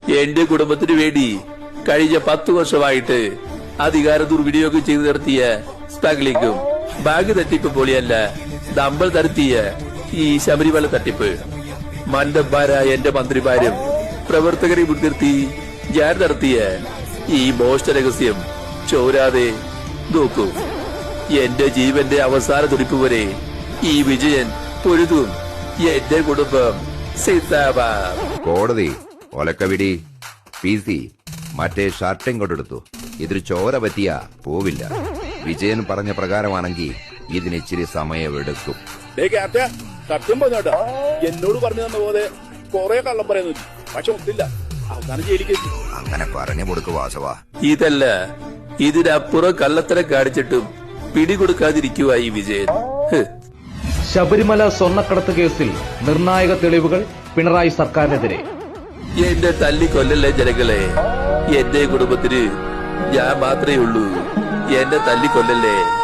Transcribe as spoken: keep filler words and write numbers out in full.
എന്റെ കുടുംബത്തിന് വേണ്ടി കഴിഞ്ഞ പത്തു വർഷമായിട്ട് അധികാര ദുർവിനിയോഗം ചെയ്തു നിർത്തിയ സ്മഗ്ലിംഗും ബാഗ് തട്ടിപ്പ് പോലെയല്ല നമ്മൾ നടത്തിയ ഈ ശബരിമല തട്ടിപ്പ്. മണ്ടന്മാരായ എന്റെ മന്ത്രിമാരും പ്രവർത്തകരെ മുൻനിർത്തി ഞാൻ നടത്തിയ ഈ മോഷ്ട രഹസ്യം ചോരാതെ നോക്കൂ. എന്റെ ജീവന്റെ അവസാന തുടിപ്പ് വരെ ഈ വിജയൻ പൊരുതും. എന്റെ കുടുംബം സിന്ദാബാദ്. കോടതി ഒലക്കവിടി പി സി മറ്റേ ഷർട്ടും കൊണ്ടെടുത്തു. ഇതൊരു ചോര പറ്റിയ പോവില്ല. വിജയൻ പറഞ്ഞ പ്രകാരമാണെങ്കിൽ ഇതിനിച്ചിരി സമയമെടുക്കും. സത്യം പറഞ്ഞോട്ടാ, എന്നോട് പറഞ്ഞു തന്ന പോലെ കൊറേ കള്ളം പറയുന്നു, പക്ഷെ ഒത്തില്ല. അവസാനം ജയിലിക്ക് അങ്ങനെ പറഞ്ഞു കൊടുക്കു വാസവ. ഇതല്ല, ഇതിനപ്പുറം കള്ളത്തരം കാണിച്ചിട്ടും പിടികൊടുക്കാതിരിക്കുക ഈ വിജയൻ. ശബരിമല സ്വർണ്ണക്കടത്ത് കേസിൽ നിർണായക തെളിവുകൾ പിണറായി സർക്കാരിനെതിരെ. എന്റെ തല്ലിക്കൊല്ലല്ലേ ജനങ്ങളെ. എന്റെ കുടുംബത്തിന് ഞാൻ മാത്രമേ ഉള്ളൂ. എന്നെ തല്ലിക്കൊല്ലല്ലേ.